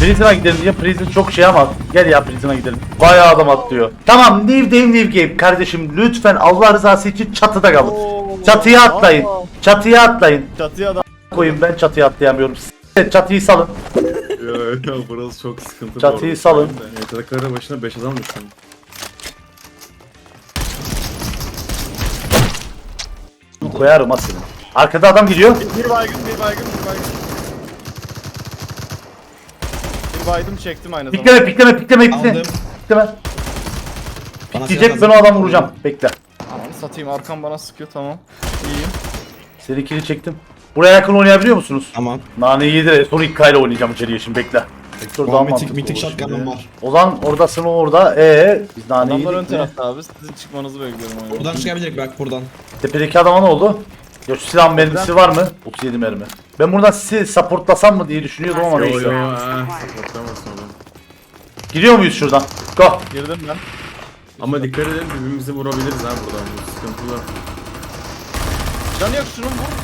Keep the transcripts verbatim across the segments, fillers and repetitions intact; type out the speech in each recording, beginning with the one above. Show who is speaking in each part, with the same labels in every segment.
Speaker 1: Prison'a gidelim diye Prison çok şey ama gel ya Prison'a gidelim. Bayağı adam atlıyor. Tamam new game new game kardeşim lütfen Allah rızası için çatıda kalın.
Speaker 2: Oo.
Speaker 1: Çatıya atlayın.
Speaker 2: Aa.
Speaker 1: Çatıya atlayın.
Speaker 2: Çatıya da
Speaker 1: Koyun ben çatıya atlayamıyorum. S- Çatıyı salın.
Speaker 3: Ya burası çok sıkıntı.
Speaker 1: Çatıyı
Speaker 3: bu arada.
Speaker 1: salın.
Speaker 3: Yetenek karı başına beş adam düştüm.
Speaker 1: Koyarım ha seni. Arkada adam gidiyor.
Speaker 2: bir baygın, bir baygın, bir baygın. Bir baydım çektim aynı zamanda.
Speaker 1: Pikleme pikleme pikleme pikleme.
Speaker 4: Aldım.
Speaker 1: Pikleme.
Speaker 4: Bana
Speaker 1: Diyecek
Speaker 4: silah
Speaker 1: ben o
Speaker 4: lazım.
Speaker 1: adamı vuracağım. Bekle.
Speaker 2: Ananı satayım, arkam bana sıkıyor, tamam. İyiyim.
Speaker 1: Seninkini çektim. Buraya yakın oynayabiliyor musunuz?
Speaker 4: Tamam.
Speaker 1: Naneyi yedi de son ilk kayla oynayacağım içeriye şimdi bekle. Vektör daha
Speaker 4: Mitik,
Speaker 1: mantıklı
Speaker 4: mitik
Speaker 1: olur
Speaker 4: shotgun'ım
Speaker 1: şimdi.
Speaker 4: var.
Speaker 1: Ozan oradasın o orada. Ee biz naneyi
Speaker 2: Adamlar ön
Speaker 1: yedik mi?
Speaker 2: tarafta abi, sizin çıkmanızı bekliyorum oyuna.
Speaker 4: Buradan çıkabilir bak buradan.
Speaker 1: Tepedeki adama ne oldu? Ya şu silahın mermisi var mı? otuz yedi mermi. Ben buradan sizi supportlasam mı diye düşünüyordum ama
Speaker 3: Yo yo
Speaker 1: neyse.
Speaker 3: ha. Supportamazsın oğlum.
Speaker 1: Giriyor muyuz şuradan? Go.
Speaker 2: Girdim ben.
Speaker 3: Ama dikkat edin birbirimizi vurabiliriz ha buradan. Bu sıkıntılı.
Speaker 2: Can yok, şunu vur.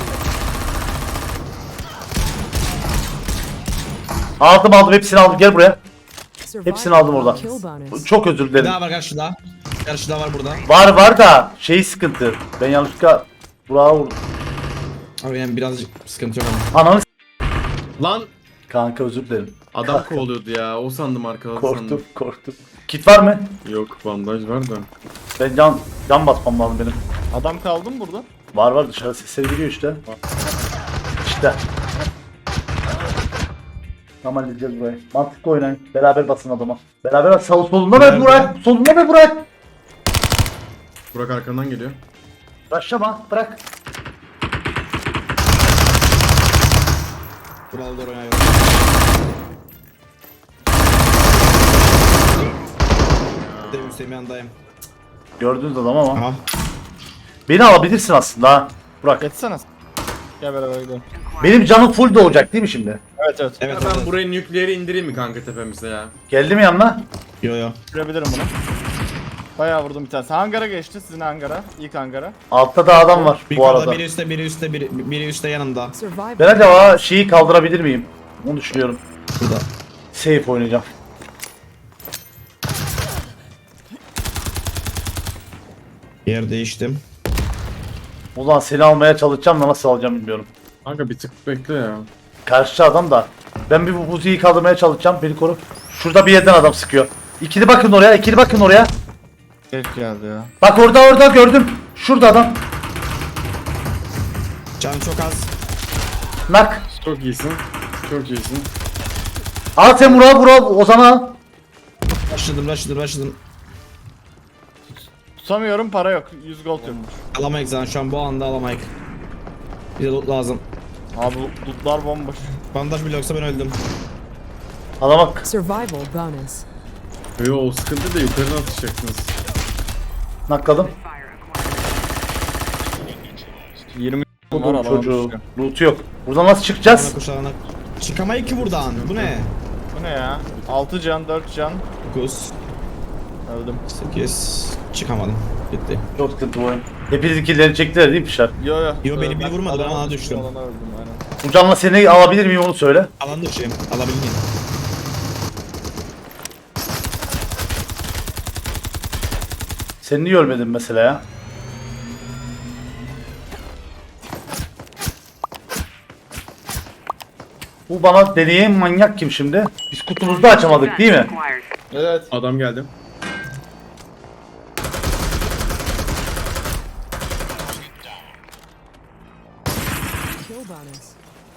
Speaker 1: Aldım aldım hepsini aldım gel buraya.
Speaker 5: Hepsini aldım oradan.
Speaker 1: Çok özür
Speaker 4: Bir
Speaker 1: dilerim.
Speaker 4: daha var karşıda. Karşıda var burada.
Speaker 1: Var var da şey sıkıntı. Ben yanlışlıkla Burak'a vurdum.
Speaker 4: Abi yani birazcık sıkıntı yok ama.
Speaker 1: Ananı s-
Speaker 3: Lan
Speaker 1: Kanka özür dilerim.
Speaker 3: adam kovalıyordu ya. O sandım arkadan
Speaker 1: Korktum
Speaker 3: sandım.
Speaker 1: korktum. Kit var mı?
Speaker 3: Yok bandaj var da.
Speaker 1: Ben can can basmam lazım benim.
Speaker 2: Adam kaldı mı burada?
Speaker 1: Var var dışarı sesleri geliyor işte. İşte. Tamam halledeceğiz burayı. Mantıklı oynayın. Beraber basın adama. Beraber bas. Sol, solunda ver
Speaker 4: Nerede?
Speaker 1: Burak. Solunda ver Burak.
Speaker 3: Burak arkandan geliyor.
Speaker 1: Başlama. Bırak.
Speaker 4: Buralı doğru oynuyorum. Dev Hüseyin yandayım.
Speaker 1: Gördünüz adam ama.
Speaker 4: Aha.
Speaker 1: Beni alabilirsin aslında ha. Burak.
Speaker 2: Geçsene. Gel beraber gidelim.
Speaker 1: Benim canım full doğacak değil mi şimdi?
Speaker 2: Evet evet.
Speaker 4: Evet
Speaker 3: ben
Speaker 4: evet.
Speaker 3: buraya nükleeri indireyim mi kanka tepemize ya?
Speaker 1: Geldi mi yanına?
Speaker 4: Yo yo.
Speaker 2: Görebilirim bunu. Bayağı vurdum bir tanesi. Hangara geçti, sizin hangara. İlk hangara.
Speaker 1: Altta da adam var
Speaker 4: Bir
Speaker 1: bu
Speaker 4: yukarıda,
Speaker 1: arada.
Speaker 4: biri üstte, biri üstte, biri, biri üstte yanımda.
Speaker 1: Ben acaba şeyi kaldırabilir miyim? Onu düşünüyorum.
Speaker 4: Burada.
Speaker 1: Safe oynayacağım.
Speaker 4: Yer değiştim.
Speaker 1: O zaman seni almaya çalışacağım da nasıl alacağım bilmiyorum.
Speaker 3: Kanka bir tık bekle ya.
Speaker 1: Karşı adam da. Ben bir bu buziyi kaldırmaya çalışacağım. Beni koru. Şurada bir yerden adam sıkıyor. İkili bakın oraya. İkili bakın oraya.
Speaker 2: Geç geldi ya.
Speaker 1: Bak orada orada gördüm. Şurada adam.
Speaker 4: Canım çok az.
Speaker 1: Nak.
Speaker 3: Çok iyisin. Çok iyisin.
Speaker 1: Al sen Burak'ı Burak Ozan'a al.
Speaker 4: Başladım, başladım, başladım.
Speaker 2: Tutamıyorum, para yok. yüz gold yokmuş.
Speaker 4: Alamayız zaten şu an bu anda alamayız. Bir de loot lazım.
Speaker 2: Abi lootlar bomboş.
Speaker 4: Bandaj bile yoksa ben öldüm.
Speaker 1: Alamak.
Speaker 5: Survival bonus.
Speaker 3: Yo o sıkıntı da yukarıdan atacaksınız.
Speaker 1: Nakladım.
Speaker 2: yirmi var
Speaker 1: Buldum
Speaker 2: alamamış
Speaker 1: çocuğu.
Speaker 2: ya.
Speaker 1: Loot'u yok. Buradan nasıl çıkacağız?
Speaker 4: Ana kuşağına. Çıkamayız ki buradan. Bu ne?
Speaker 2: Bu ne ya? altı can, dört can.
Speaker 4: dokuz,
Speaker 2: Öldüm.
Speaker 4: sekiz. Çıkamadım. Bitti.
Speaker 1: Çok sıkıntı bu oyun. Hepiniz killerini çektiler değil mi Fişer?
Speaker 2: Yo yo.
Speaker 4: Yo, beni
Speaker 2: Ee,
Speaker 4: biri vurmadı, ben
Speaker 2: alana
Speaker 4: alana düştüm.
Speaker 2: Alana öldüm aynen.
Speaker 1: Bu canla seni alabilir miyim onu söyle.
Speaker 4: Alan dışıyım. Alabilir miyim?
Speaker 1: Seni niye ölmedin mesela ya? Bu bana deneyen manyak kim şimdi? Biz kutumuzu da açamadık değil mi?
Speaker 2: Evet.
Speaker 3: Adam geldi.
Speaker 5: Kill bonus.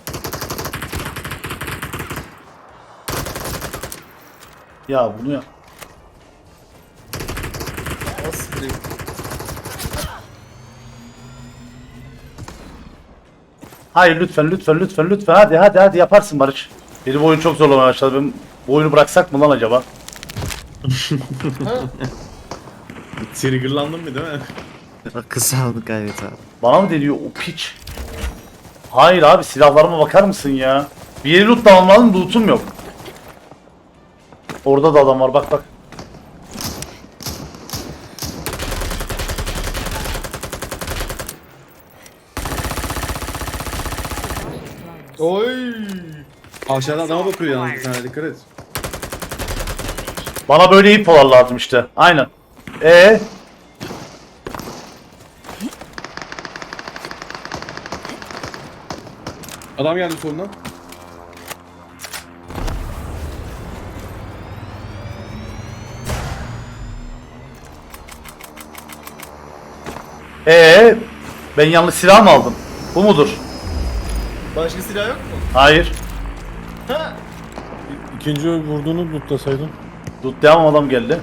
Speaker 1: Ya bunu ya. Hayır lütfen lütfen lütfen lütfen hadi hadi hadi yaparsın Barış. Beni bu oyun çok zorlamaya başladı. Ben bu oyunu bıraksak mı lan acaba?
Speaker 3: Triggerlandım mı değil mi?
Speaker 6: Kısa aldık gayret abi.
Speaker 1: Bana mı deniyor o piç? Hayır abi silahlarıma bakar mısın ya? Bir yeri lootlamam lazım lootum yok. Orada da adam var bak bak.
Speaker 2: Oy.
Speaker 3: Aşağıda adama bakıyor yalnız bir tane, dikkat et.
Speaker 1: Bana böyle infolar lazım işte. Aynen. Ee,
Speaker 3: Adam geldi solundan.
Speaker 1: ee, ben yanlış silah mı aldım? Bu mudur?
Speaker 2: Başka silah yok mu?
Speaker 1: Hayır.
Speaker 7: İkinci vurduğunu lootlasaydın.
Speaker 1: Tutlayamam, adam geldi.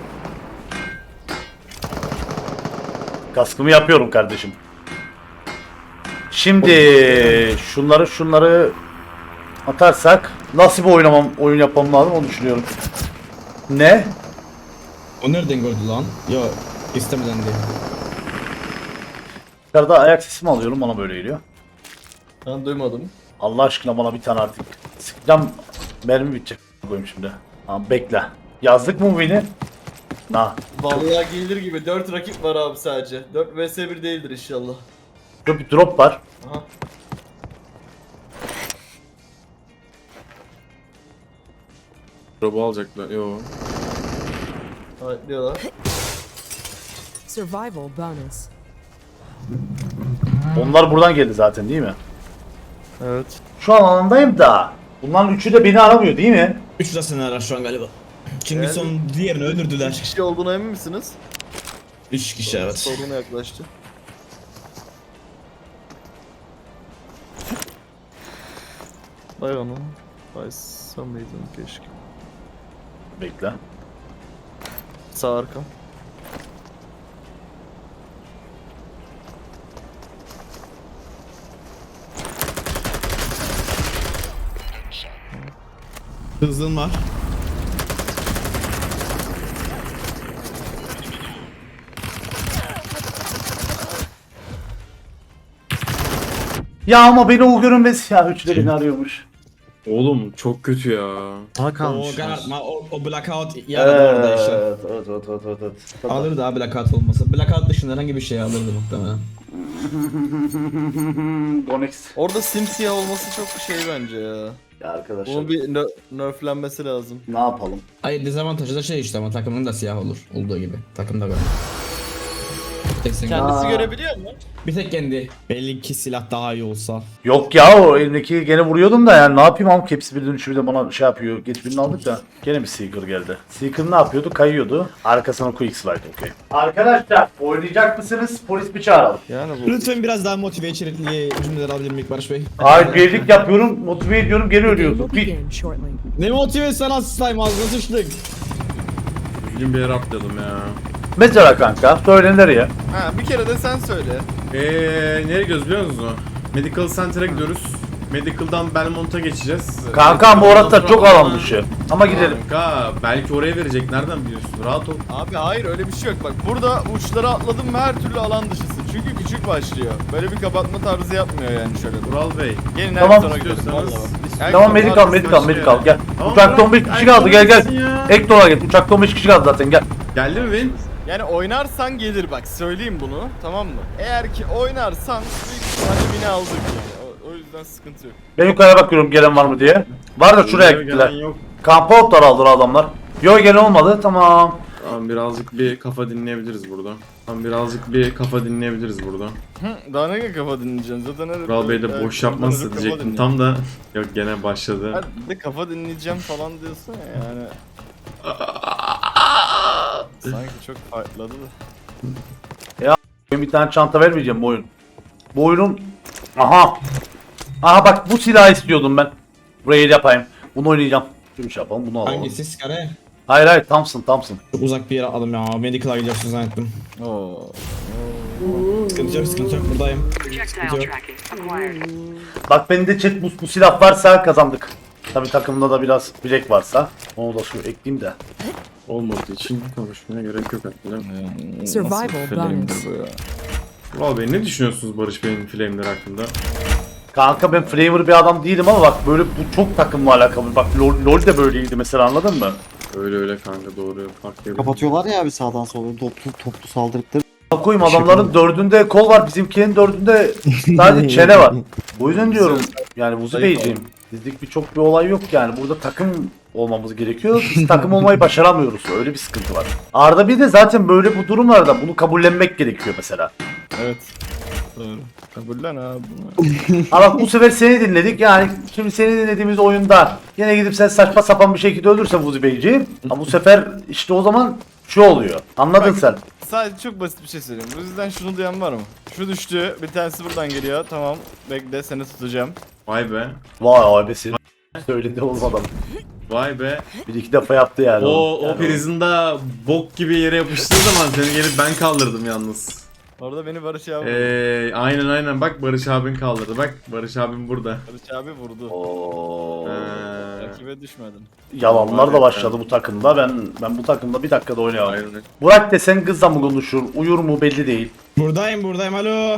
Speaker 1: Kaskımı yapıyorum kardeşim. Şimdi şunları şunları atarsak nasıl bir oynamam oyun yapmam lazım onu düşünüyorum. Ne?
Speaker 4: O nereden gördü lan? Yo istemeden değil.
Speaker 1: Yukarıda ayak sesimi alıyorum, bana böyle geliyor.
Speaker 2: Ben duymadım.
Speaker 1: Allah aşkına bana bir tane artık. Sıkacağım, mermi bitecek. Koyayım şimdi. Tamam bekle. Yazdık mı beni? Ha.
Speaker 2: Vallahi gelir gibi dört rakip var abi sadece. dört vs bir değildir inşallah.
Speaker 1: Şurada bir drop var.
Speaker 2: Aha.
Speaker 3: Robo alacaklar. Yo.
Speaker 2: Evet diyorlar.
Speaker 5: Survival bonus.
Speaker 1: Onlar buradan geldi zaten değil mi?
Speaker 2: Evet.
Speaker 1: Şu an alandayım da. Bunların üçü de beni aramıyor değil mi?
Speaker 4: Üç de seni arar şu an galiba. Çünkü
Speaker 2: Evet.
Speaker 4: son diğerini öldürdüler.
Speaker 2: Kişi olduğuna emin misiniz?
Speaker 4: Üç kişi evet.
Speaker 2: Soruna yaklaştı. Bay onu. Baysa mıydın keşke.
Speaker 1: Bekle.
Speaker 2: Sağ arkam.
Speaker 4: Hızın var.
Speaker 1: Ya ama beni o görünmez ya. Üçü de beni arıyormuş.
Speaker 3: Oğlum çok kötü ya.
Speaker 6: Daha
Speaker 4: O
Speaker 6: kalmış.
Speaker 4: karartma, o, o blackout yaradı orada işte.
Speaker 1: Evet, evet, evet, evet, evet, evet.
Speaker 4: Alırdı abi blackout olmasa. Blackout dışında herhangi bir şey alırdı muhtemelen.
Speaker 1: Onyx.
Speaker 2: Orada simsiyah olması çok şey bence ya.
Speaker 1: Ya arkadaşlar.
Speaker 2: Bunun bir ner- nerflenmesi lazım.
Speaker 1: Ne yapalım?
Speaker 4: Hayır dezavantajı da şey işte ama takımın da siyah olur. Olduğu gibi. Takımda böyle. Tek sen-
Speaker 2: Kendisi
Speaker 1: Aa.
Speaker 2: görebiliyor mu?
Speaker 4: Bir tek kendi. Belli ki silah daha iyi olsa.
Speaker 1: Yok ya, o elimdeki gene vuruyordum da yani ne yapayım ama hepsi birden üçü bir de bana şey yapıyor. Geç birini aldık da gene bir Seeker geldi. Seeker ne yapıyordu? Kayıyordu. Arkasına Q X vardı, okey. Arkadaşlar oynayacak mısınız? Polis bir çağıralım.
Speaker 2: Yani bu.
Speaker 4: Lütfen biraz daha motive içerikli cümleler alabilir miyim Barış Bey?
Speaker 1: Hayır, birlik yapıyorum, motive ediyorum, geri
Speaker 5: The game
Speaker 1: ölüyorsun.
Speaker 5: will
Speaker 1: Bir...
Speaker 5: begin shortly.
Speaker 4: Ne motive sana slime ağzına sıçtık.
Speaker 3: Bugün bir yere atlayalım ya.
Speaker 1: Mesela kanka, söylenir ya.
Speaker 2: Ha bir kere de sen söyle.
Speaker 3: Eee nereye gidiyoruz biliyor musunuz? Medical Center'a gidiyoruz. Medical'dan Belmont'a geçeceğiz.
Speaker 1: Kanka bu orada
Speaker 3: Ondan
Speaker 1: çok
Speaker 3: sonra-
Speaker 1: alan dışı. Ama gidelim.
Speaker 3: Kanka belki oraya verecek, nereden biliyorsun? Rahat ol.
Speaker 2: Abi hayır öyle bir şey yok. Bak burada uçlara atladım ve her türlü alan dışısın. Çünkü küçük başlıyor. Böyle bir kapatma tarzı yapmıyor yani şöyle.
Speaker 3: Vural Bey.
Speaker 2: Gelin
Speaker 1: Tamam.
Speaker 2: her sonra gidiyoruz.
Speaker 3: İstiyorsanız-
Speaker 2: Vallahi bak.
Speaker 1: Tamam,
Speaker 2: Her
Speaker 1: medical,
Speaker 2: kapı
Speaker 1: medical,
Speaker 2: arkası
Speaker 1: medical,
Speaker 2: başlıyor
Speaker 1: gel.
Speaker 3: Tamam,
Speaker 1: Uçakta
Speaker 3: bırak,
Speaker 1: on beş kişi
Speaker 3: ay,
Speaker 1: kaldı, gel gel.
Speaker 3: neredesin ya?
Speaker 1: Ek dolar gel. Uçakta on beş kişi kaldı zaten, gel.
Speaker 3: Geldi mi Vin?
Speaker 2: yani. Yani oynarsan gelir bak söyleyeyim bunu tamam mı? Eğer ki oynarsan büyük ihtimalle bini aldık yani. O, o yüzden sıkıntı yok.
Speaker 1: Ben yukarıya bakıyorum gelen var mı diye. Var da şuraya
Speaker 3: Gelen
Speaker 1: gittiler.
Speaker 3: yok.
Speaker 1: Kampa otlar aldılar adamlar. Yok, gelen olmadı, tamam.
Speaker 3: Tamam, birazcık bir kafa dinleyebiliriz burada. Tamam, birazcık bir kafa dinleyebiliriz burada.
Speaker 2: Hı, daha ne kafa dinleyeceksin zaten her...
Speaker 3: Vural Bey de
Speaker 2: her-
Speaker 3: boş yapmazsa
Speaker 2: kafa
Speaker 3: diyecektim
Speaker 2: dinliyor.
Speaker 3: tam da. Yok, gene başladı.
Speaker 2: Ha, bir de kafa dinleyeceğim falan diyorsun ya yani. Sanki çok farkladı da.
Speaker 1: Ben bir tane çanta vermeyeceğim bu oyun. Bu oyunun... Aha. Aha bak, bu silahı istiyordum ben. Burayı yapayım. Bunu oynayacağım. Şunu şey yapalım, bunu alalım.
Speaker 4: Hangisi? Skare?
Speaker 1: Hayır hayır, Thompson Thompson.
Speaker 4: Çok uzak bir yere aldım ya. Medical'a gidiyorsun zannettim.
Speaker 2: Oo.
Speaker 4: Sıkıntı yok, sıkıntı yok. Buradayım.
Speaker 8: Projectile
Speaker 4: Sıkıntı yok.
Speaker 8: tracking acquired.
Speaker 1: Bak benim de chat, bu, bu silah varsa kazandık. Tabi takımda da biraz bilek varsa. Onu da şu ekleyeyim de.
Speaker 3: Olmadığı için konuşmaya gerek yok aslında.
Speaker 5: Survival
Speaker 2: Flame'dir
Speaker 5: bonus.
Speaker 2: bu ya.
Speaker 3: Vural Bey, ne düşünüyorsunuz Barış Bey'in flame'leri hakkında?
Speaker 1: Kanka ben flavor bir adam değilim ama bak böyle bu çok takımla alakalı. Bak LoL, LoL de böyleydi mesela, anladın mı?
Speaker 3: Öyle öyle kanka, doğru. Fark yok.
Speaker 6: Kapatıyorlar ya abi sağdan sola toplu toplu saldırdıkları.
Speaker 1: Bak koyayım, adamların dördünde kol var, bizimkinin dördünde sadece çene var. Bu yüzden diyorum yani Vuzi Beyciğim. Bizlik birçok bir olay yok yani. Burada takım olmamız gerekiyor. Biz takım olmayı başaramıyoruz. Öyle bir sıkıntı var. Arda bir de zaten böyle bu durumlarda bunu kabullenmek gerekiyor mesela.
Speaker 2: Evet. Doğru. Kabullen abi bunu.
Speaker 1: Ama bu sefer seni dinledik yani şimdi seni dinlediğimiz oyunda yine gidip sen saçma sapan bir şekilde öldürsen Vuzi Beyciği. Ama bu sefer işte o zaman şu oluyor. Anladın
Speaker 2: Bak,
Speaker 1: sen.
Speaker 2: Sadece çok basit bir şey söyleyeyim. Bu yüzden şunu duyan var mı? Şu düştü. Bir tanesi buradan geliyor. Tamam. Bekle seni tutacağım.
Speaker 3: Vay be.
Speaker 1: Vay abi senin söyledi oğlum adam.
Speaker 3: Vay be.
Speaker 1: Bir iki defa yaptı yani.
Speaker 3: O
Speaker 1: Yani
Speaker 3: o prizinde bok gibi yere yapıştığı zaman seni gelip ben kaldırdım yalnız.
Speaker 2: Orada beni Barış abi vurdu.
Speaker 3: Eee aynen aynen bak Barış abin kaldırdı. Bak Barış abim burada.
Speaker 2: Barış abi vurdu.
Speaker 1: Oo.
Speaker 3: Eee
Speaker 2: Rakibe düşmedim.
Speaker 1: Yalanlar da başladı bu takımda. Ben ben bu takımda bir dakikada oynayamam.
Speaker 3: aynen.
Speaker 1: Burak desen kızla mı konuşur, uyur mu belli değil.
Speaker 4: Buradayım buradayım alo.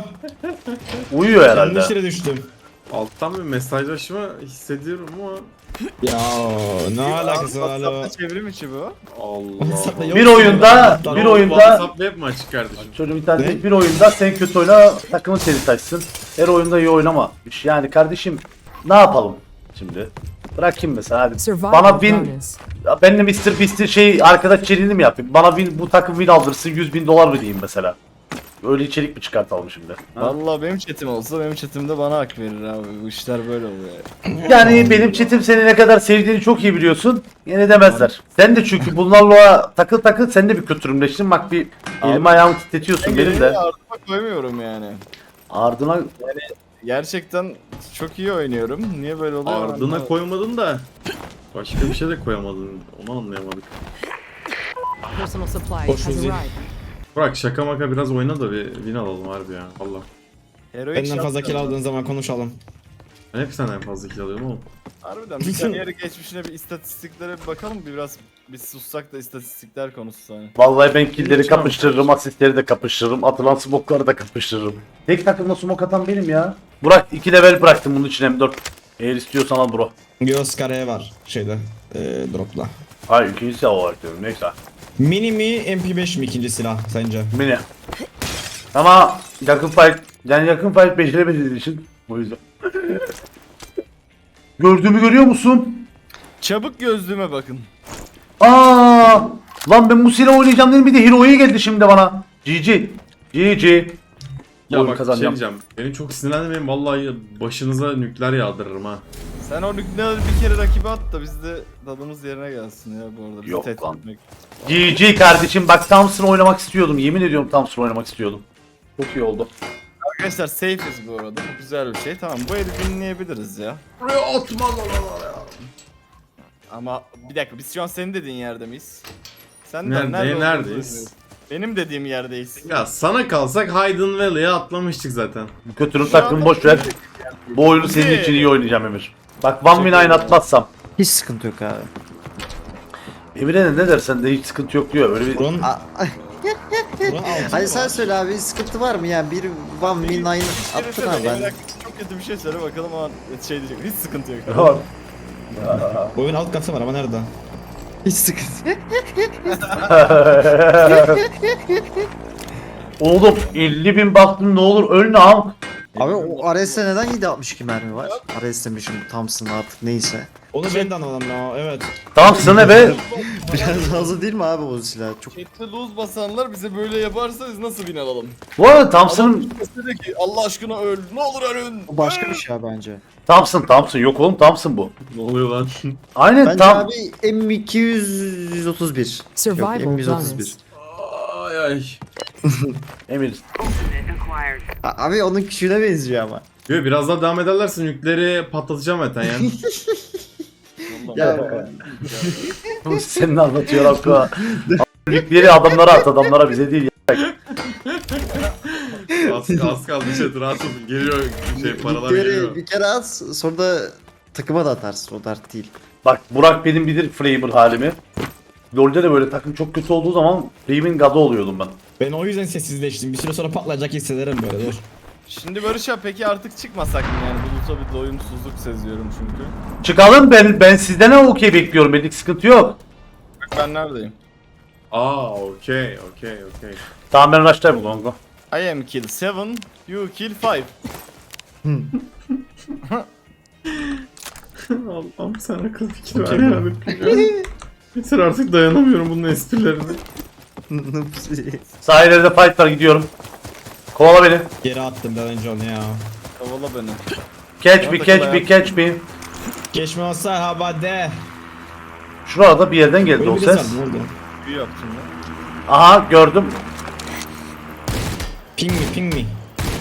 Speaker 1: Uyuyor herhalde.
Speaker 4: Yanlış yere düştüm.
Speaker 3: Alttan bir mesajlaşma hissediyorum ama
Speaker 4: Ya ne alakası var alo.
Speaker 2: WhatsApp'ta çevrim içi bu.
Speaker 3: Allah.
Speaker 4: WhatsApp'ta yok
Speaker 1: Bir
Speaker 4: ki.
Speaker 1: oyunda,
Speaker 4: Tamam.
Speaker 1: bir oyunda
Speaker 3: WhatsApp hep mi açık kardeşim?
Speaker 1: çocuğum internet
Speaker 4: Ne?
Speaker 1: bir oyunda sen kötü oyna takımın seni taşsın. Her oyunda iyi oynama. Yani kardeşim ne yapalım şimdi? Bırakayım mesela hadi.
Speaker 5: Survival
Speaker 1: Bana win
Speaker 5: bonus.
Speaker 1: ben de mister Beast'in şey arkadaş içeriğini mi yapayım? Bana win, bu takım win aldırsın yüz bin dolar mı diyeyim mesela? Öyle içerik mi çıkartalım şimdi? Ha?
Speaker 2: Vallahi benim chatim olsa benim chatimde bana hak verir abi. Bu işler böyle oluyor.
Speaker 1: Yani benim chatim seni ne kadar sevdiğini çok iyi biliyorsun. Yine demezler. Sen de çünkü bunlarla takıl takıl sen de bir kötürümleştin. Bak bir elimi ayağımı titretiyorsun benim de.
Speaker 2: Ardıma koymuyorum yani.
Speaker 1: Ardına
Speaker 2: Gerçekten çok iyi oynuyorum. Niye böyle oluyor?
Speaker 3: Ardına
Speaker 2: anlamadım.
Speaker 3: koymadın da başka bir şey de koyamadın. Onu anlayamadık.
Speaker 5: Personal supply
Speaker 4: Hoş
Speaker 5: has
Speaker 4: bulduk.
Speaker 5: arrived.
Speaker 3: Bırak şaka maka biraz oyna da bir win alalım harbi ya. Allah.
Speaker 2: Heroic
Speaker 4: Benden fazla
Speaker 2: shot
Speaker 4: kill
Speaker 2: ya.
Speaker 4: aldığın zaman konuşalım.
Speaker 3: Ben hep senden fazla kill alıyorum oğlum.
Speaker 2: Harbiden bir kariyer geçmişine bir istatistiklere bir bakalım bir biraz biz sussak da istatistikler konusu hani.
Speaker 1: vallahi ben killleri kapıştırırım, asistleri de kapıştırırım, atılan smoke'ları da kapıştırırım. Tek takımda smoke atan benim ya. Burak iki level bıraktım bunun için M dört. Eğer istiyorsan al bro.
Speaker 4: Göz kareye var şeyde ee, dropla.
Speaker 1: Hayır ikinci silah olarak diyorum neyse.
Speaker 4: Mini mi M P beş mi ikinci silah sence?
Speaker 1: Mini. Ama yakın fight, yani yakın fight beceremediğiniz için o yüzden. Gördüğümü görüyor musun?
Speaker 2: Çabuk gözlüğüme bakın.
Speaker 1: Aa, lan ben bu silah oynayacağım dedim bir de Hero'ya geldi şimdi bana. G G. G G.
Speaker 3: Ya
Speaker 1: Oyun
Speaker 3: bak şey
Speaker 1: kazanacağım.
Speaker 3: diyeceğim. Beni çok sinirlenmeyin vallahi başınıza nükleer yağdırırım ha.
Speaker 2: Sen o nükleer bir kere rakibe at da biz de tadımız yerine gelsin ya bu arada. Bizi
Speaker 1: Yok
Speaker 2: tehdit
Speaker 1: lan.
Speaker 2: etmek.
Speaker 1: G G kardeşim bak Thompson oynamak istiyordum. Yemin ediyorum Thompson oynamak istiyordum. Çok iyi oldu.
Speaker 2: Arkadaşlar safe'iz bu arada. Bu güzel bir şey. Tamam bu eli dinleyebiliriz ya.
Speaker 3: Buraya atma lan ya.
Speaker 2: Ama bir dakika biz şu an senin dediğin yerde miyiz? Sen
Speaker 3: Nerede-
Speaker 2: olduğumuzu
Speaker 3: neredeyiz?
Speaker 2: bilmiyorum. Benim dediğim yerdeyiz.
Speaker 3: Ya sana kalsak Hayden Valley'e atlamıştık zaten.
Speaker 1: Bu kötünün takımı boş ver. Bu oyunu senin için iyi oynayacağım Emir. Bak one win aynı atmazsam.
Speaker 6: Hiç sıkıntı yok abi.
Speaker 1: Emir'e de ne dersen de hiç sıkıntı yok diyor. Öyle bir
Speaker 4: Buranın,
Speaker 6: A-
Speaker 4: buranın altı
Speaker 6: Hadi
Speaker 4: mı
Speaker 6: sen
Speaker 4: var?
Speaker 6: söyle abi sıkıntı var mı ya? Bir one win aynı attın abi ben.
Speaker 2: Çok kötü bir şey söyle bakalım ama şey diyecek. Hiç sıkıntı yok.
Speaker 1: Tamam.
Speaker 4: Oyun alt katı var ama nerede?
Speaker 6: Hiç sıkıntı.
Speaker 1: Oğlum elli bin baktım ne olur ölme am.
Speaker 6: Abi o R S'de neden yedi altmış iki mermi var? R S demişim Thompson artık neyse.
Speaker 4: Onu ben de anlamadım ya evet.
Speaker 1: Thompson ne be?
Speaker 6: Biraz fazla değil mi abi o silah? Çok
Speaker 2: Chat'te lose basanlar bize böyle yaparsa biz nasıl win alalım?
Speaker 1: Bu arada Thompson'ın
Speaker 2: Dedi ki Allah aşkına öl. Ne olur ölün.
Speaker 6: o başka bir şey abi bence.
Speaker 1: Thompson Thompson yok oğlum Thompson bu.
Speaker 3: Ne oluyor lan?
Speaker 1: Aynen
Speaker 6: Bence
Speaker 1: tam.
Speaker 6: abi M iki yüz otuz bir. Yok
Speaker 5: Survival
Speaker 6: M yüz otuz bir.
Speaker 5: bonus.
Speaker 3: Ay ay.
Speaker 1: Emir.
Speaker 6: A- Abi onun küçüğüne benziyor ama.
Speaker 3: Yo, biraz daha devam ederse nükleeri patlatacağım zaten yani.
Speaker 6: Ya
Speaker 1: Bu senin anlatıyor Hakkı. Nükleeri adamlara at adamlara bize değil.
Speaker 3: az, az kaldı chat rahat olun. Geliyor şey paralar
Speaker 6: bir
Speaker 3: geliyor.
Speaker 6: kere, bir kere at sonra da takıma da atarsın o dert değil.
Speaker 1: Bak Burak benim bilir Framer halimi. LoL'de de böyle takım çok kötü olduğu zaman Framer'in gadı oluyordum ben.
Speaker 4: Ben o yüzden sessizleştim. Bir süre sonra patlayacak hissederim böyle dur.
Speaker 2: Şimdi Barış abi peki artık çıkmasak mı yani? Bulut'a bir doyumsuzluk seziyorum çünkü.
Speaker 1: Çıkalım ben ben sizden ne okey bekliyorum. Benlik sıkıntı yok.
Speaker 2: Bak ben neredeyim?
Speaker 3: Aa okey okey okey.
Speaker 1: Tamam ben rush'tayım bu Gongo.
Speaker 2: I am kill seven, you kill five.
Speaker 3: Allah'ım sen akıl fikir ver kardeşim. Yeter artık dayanamıyorum bunun esprilerine.
Speaker 6: Sahillerde
Speaker 1: fight var, gidiyorum. Kovala beni.
Speaker 4: Geri attım ben önce onu ya.
Speaker 2: Kavala beni.
Speaker 1: Catch me, catch me, catch me.
Speaker 4: Geçme olsa habade.
Speaker 1: Şurada bir yerden geldi o
Speaker 4: Böyle
Speaker 1: ses.
Speaker 4: ses. Oldu.
Speaker 2: Büyü yaptım ben.
Speaker 1: Aha, gördüm.
Speaker 4: Ping mi ping mi?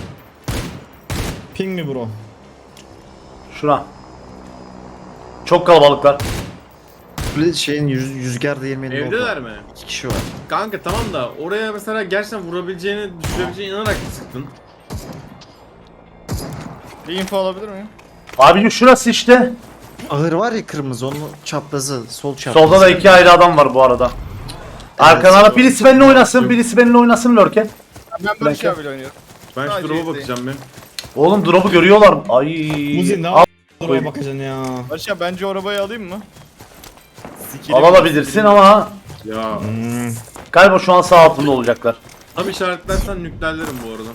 Speaker 4: Ping mi bro?
Speaker 1: Şuna. Çok kalabalıklar.
Speaker 6: Bir şeyin yüz, yüzgar değirmeni oldu.
Speaker 3: Evdeler mi?
Speaker 6: İki kişi var.
Speaker 3: Kanka tamam da oraya mesela gerçekten vurabileceğini, düşürebileceğine inanarak sıktın.
Speaker 2: Bir info alabilir miyim?
Speaker 1: Abicim şurası işte.
Speaker 6: Ahır var ya kırmızı, onun çaprazı, sol çaprazı.
Speaker 1: Solda da iki ayrı adam var bu arada. Arkana birisi benimle oynasın, birisi benimle oynasın lurken.
Speaker 2: Ben Barış abiyle oynuyorum.
Speaker 3: Ben şu
Speaker 2: Sadece
Speaker 3: drop'a
Speaker 2: izleyin.
Speaker 3: bakacağım bir.
Speaker 1: Oğlum drop'u görüyorlar mı? Ay.
Speaker 4: Muzi ne
Speaker 1: Al-
Speaker 4: yapıyorsun?
Speaker 1: koyayım.
Speaker 4: Bakacaksın ya.
Speaker 2: Barış abi bence o arabayı alayım mı? Sikili
Speaker 1: Alabilirsin ama
Speaker 3: Ya.
Speaker 4: Hmm.
Speaker 1: galiba şu an sağ altında olacaklar.
Speaker 3: Tam işaretlersen nükleerlerim bu arada.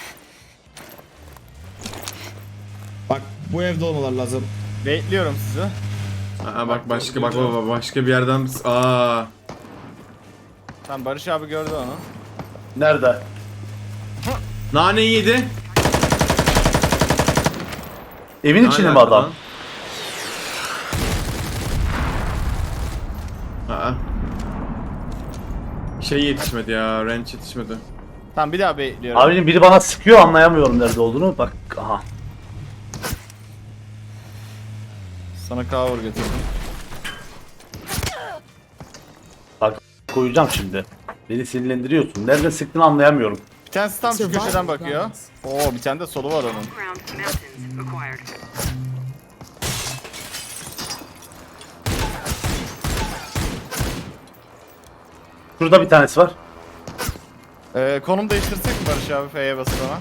Speaker 4: Bak bu evde olmalar lazım.
Speaker 2: Bekliyorum sizi.
Speaker 3: Aa bak başka bak bak bak, başka bir yerden aa.
Speaker 2: Tamam Barış abi gördü onu.
Speaker 1: Nerede?
Speaker 3: Naneyi yedi.
Speaker 1: Evin içinde mi
Speaker 3: Hala
Speaker 1: adam?
Speaker 3: arkadan. Aa. Şey yetişmedi ya, range yetişmedi.
Speaker 2: Tamam bir daha bekliyorum.
Speaker 1: Abicim biri bana sıkıyor, anlayamıyorum nerede olduğunu. Bak aha.
Speaker 2: Sana cover getirdim.
Speaker 1: Bak koyacağım şimdi. Beni sinirlendiriyorsun. Nerede sıktığını anlayamıyorum.
Speaker 2: Bir tanesi tam şu köşeden bakıyor. Oo bir tane de solu var onun.
Speaker 5: Ground mountains acquired.
Speaker 1: Şurada bir tanesi var.
Speaker 2: Ee, konum değiştirsek mi Barış abi F'ye basıp ona?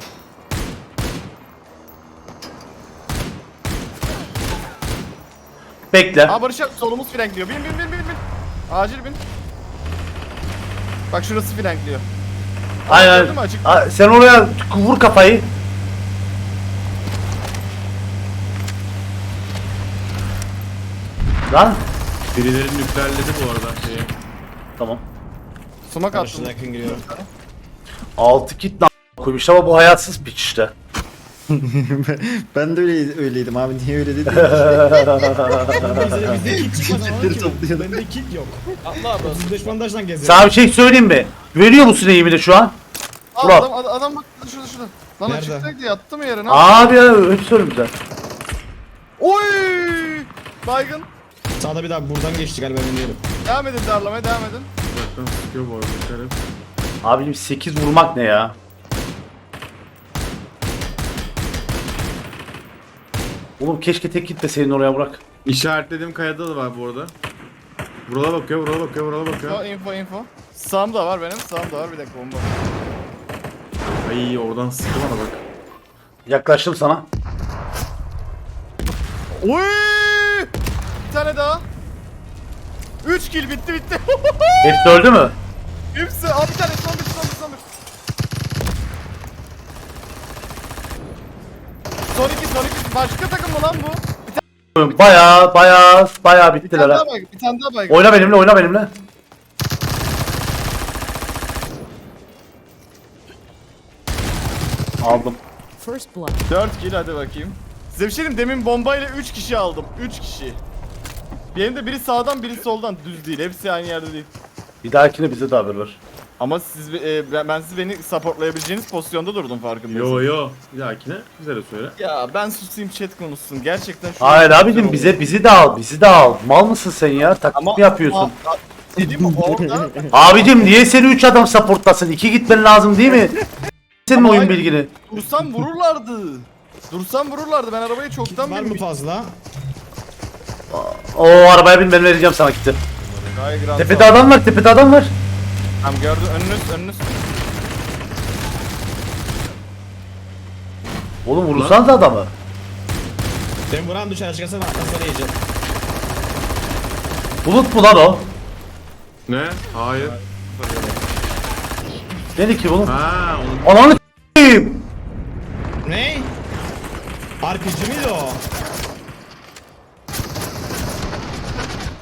Speaker 1: Bekle.
Speaker 2: Aa Barış abi solumuz flankliyor. Bin bin bin bin bin. Acil bin. Bak şurası flankliyor.
Speaker 1: Aynen.
Speaker 2: gördün mü? Açık.
Speaker 1: Aa, sen oraya vur kafayı. Lan.
Speaker 3: Birileri nükleerledi bu arada şeyi.
Speaker 1: Tamam.
Speaker 2: Sumak attım.
Speaker 4: Karşıda yakın giriyorum.
Speaker 1: Altı kit lan koymuş ama bu hayatsız piç işte.
Speaker 6: Ben de öyle, öyleydim abi, niye öyle dedim?
Speaker 4: Bizde, bizde kit çıkmaz ama
Speaker 6: Kitleri
Speaker 4: ki.
Speaker 6: topluyordum.
Speaker 4: Bende kit yok. Allah abi. otuz beş bandajla geziyorum.
Speaker 1: Sana bir şey söyleyeyim mi? Veriyor musun eğimini şu an?
Speaker 2: Aa,
Speaker 1: Ulan.
Speaker 2: adam, adam, adam bak şurada şurada. Lan
Speaker 4: Nerede?
Speaker 2: açıktaydı yattı mı yerine?
Speaker 1: Abi ya hep söylüyorum bize.
Speaker 2: Oy! Baygın.
Speaker 4: Sağda bir daha buradan geçti galiba ben diyorum.
Speaker 2: Devam edin darlamaya devam edin.
Speaker 3: Uzaktan sıkıyor bu arada. dikkat et.
Speaker 1: Abicim sekiz vurmak ne ya? Oğlum keşke tek git de senin oraya bırak.
Speaker 3: İşaretlediğim kayada da var bu arada. Burala bakıyor, burala bakıyor, burala
Speaker 2: Info
Speaker 3: bakıyor.
Speaker 2: info info. Sağımda var benim sağımda var bir dakika bomba.
Speaker 3: Ay oradan sıktı bana bak.
Speaker 1: Yaklaştım sana.
Speaker 2: Oy! Bir tane daha. üç kill bitti bitti.
Speaker 1: Hepsi öldü mü?
Speaker 2: Hepsi. Abi bir tane son bir son bir son bir. Son iki son iki. Başka takım mı lan bu?
Speaker 1: Baya baya baya
Speaker 2: Bir
Speaker 1: bittiler
Speaker 2: tane
Speaker 1: ha.
Speaker 2: daha baygın. Bir tane daha baygın.
Speaker 1: Oyna benimle, oyna benimle. Aldım.
Speaker 5: First blood.
Speaker 2: dört kill hadi bakayım. Size bir şey diyeyim demin bombayla üç kişi aldım. üç kişi. Benim de biri sağdan biri soldan düz değil. Hepsi aynı yerde değil.
Speaker 1: Bir dahakine bize de haber ver.
Speaker 2: Ama siz e, ben, ben siz beni supportlayabileceğiniz pozisyonda durdum farkındayım.
Speaker 3: Yo yo. Bir dahakine bize de söyle.
Speaker 2: Ya ben susayım chat konuşsun. Gerçekten şu
Speaker 1: Hayır
Speaker 2: an-
Speaker 1: abicim bize bizi de al, bizi de al. Mal mısın sen ya? Taklit
Speaker 2: Ama
Speaker 1: mi yapıyorsun?
Speaker 2: A- a- Dedim mi orada?
Speaker 1: Abicim niye seni üç adam supportlasın? iki gitmen lazım değil mi? Senin
Speaker 2: Ama
Speaker 1: oyun
Speaker 2: hayır.
Speaker 1: bilgini.
Speaker 2: Dursam vururlardı. Dursam vururlardı. Ben arabayı çoktan
Speaker 4: Var mı
Speaker 2: binmiştim.
Speaker 4: fazla?
Speaker 1: O arabaya bin, ben vereceğim sana kitle.
Speaker 2: Gayet grand.
Speaker 1: Tepede adam var, tepede adam var.
Speaker 2: Tamam gördün önünüz önünüz.
Speaker 1: Oğlum vurursanız adamı.
Speaker 4: Ben buranın dışarı çıkarsam atlasana yiyeceğim.
Speaker 1: Bulut mu lan o?
Speaker 3: Ne? Hayır.
Speaker 1: Beni ki bulut.
Speaker 3: Ha, onu
Speaker 1: Ananı s**eyim.
Speaker 4: Ne? R P G miydi o?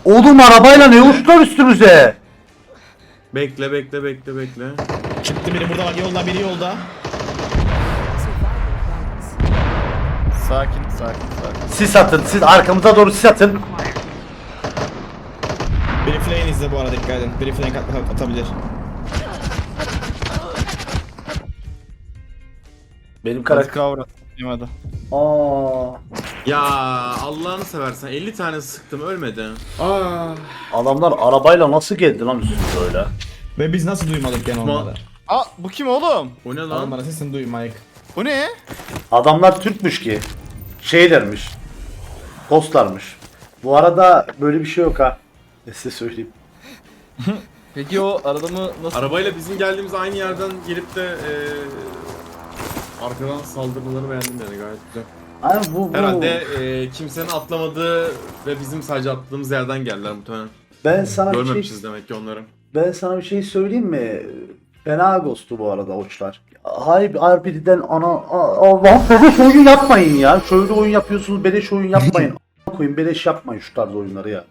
Speaker 1: Oğlum arabayla ne uçtular üstümüze?
Speaker 3: Bekle bekle bekle bekle.
Speaker 4: Çıktı biri burada bak yolda biri yolda.
Speaker 2: Sakin sakin sakin.
Speaker 1: Siz atın, siz arkamıza doğru siz atın.
Speaker 4: Biri flame izle bu arada dikkat edin. Biri flame at- atabilir.
Speaker 1: Benim
Speaker 2: Hadi
Speaker 1: karakter...
Speaker 2: kavra. Yemedi.
Speaker 1: Aa,
Speaker 3: Ya Allah'ını seversen elli tane sıktım ölmedi. Aa.
Speaker 1: adamlar arabayla nasıl geldi lan üstümüze öyle?
Speaker 4: Ve biz nasıl duymadık yani onları?
Speaker 2: Aa bu kim oğlum?
Speaker 3: O ne lan?
Speaker 4: Adamlara sesini duymayık.
Speaker 2: Bu ne?
Speaker 1: Adamlar Türkmüş ki. Şeylermiş. Postlarmış. Bu arada böyle bir şey yok ha. Ne size söyleyeyim.
Speaker 2: Peki o adamı nasıl...
Speaker 3: Arabayla bizim geldiğimiz aynı yerden gelip de eee arkadan saldırmalarını beğendim yani gayet güzel.
Speaker 1: Ay bu, bu.
Speaker 3: Herhalde eee, kimsenin atlamadığı ve bizim sadece atladığımız yerden geldiler muhtemelen.
Speaker 1: Ben sana bir şey,
Speaker 3: Görmemişiz demek ki onları.
Speaker 1: ben sana bir şey söyleyeyim mi? Fena ghost'tu bu arada oçlar. Hayır R P D'den ana a- Allah beleş oyun yapmayın ya. Şöyle oyun yapıyorsunuz beleş oyun yapmayın. A- koyun beleş yapmayın şu tarz oyunları ya.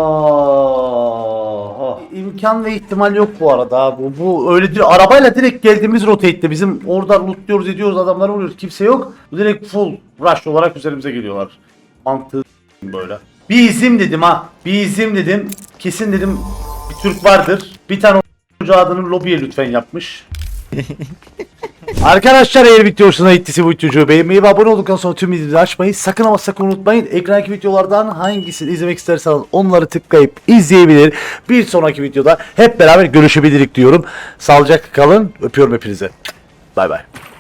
Speaker 1: Aa, imkan ve ihtimal yok bu arada. Bu, bu öyle değil. Arabayla direkt geldiğimiz rotate'te bizim orada lootluyoruz ediyoruz adamları vuruyoruz. Kimse yok. Bu direkt full rush olarak üzerimize geliyorlar. Mantığı böyle. Bir izim dedim ha. Bir izim dedim. Kesin dedim bir Türk vardır. Bir tane o adını lobiye lütfen yapmış. Arkadaşlar eğer video hoşuna gittiyse bu videoyu beğenmeyi ve abone olduktan sonra tüm videoları açmayı sakın ama sakın unutmayın. Ekrandaki videolardan hangisini izlemek isterseniz onları tıklayıp izleyebilir. Bir sonraki videoda hep beraber görüşebilirik diyorum. Sağlıcakla kalın. Öpüyorum hepinize. Bay bay.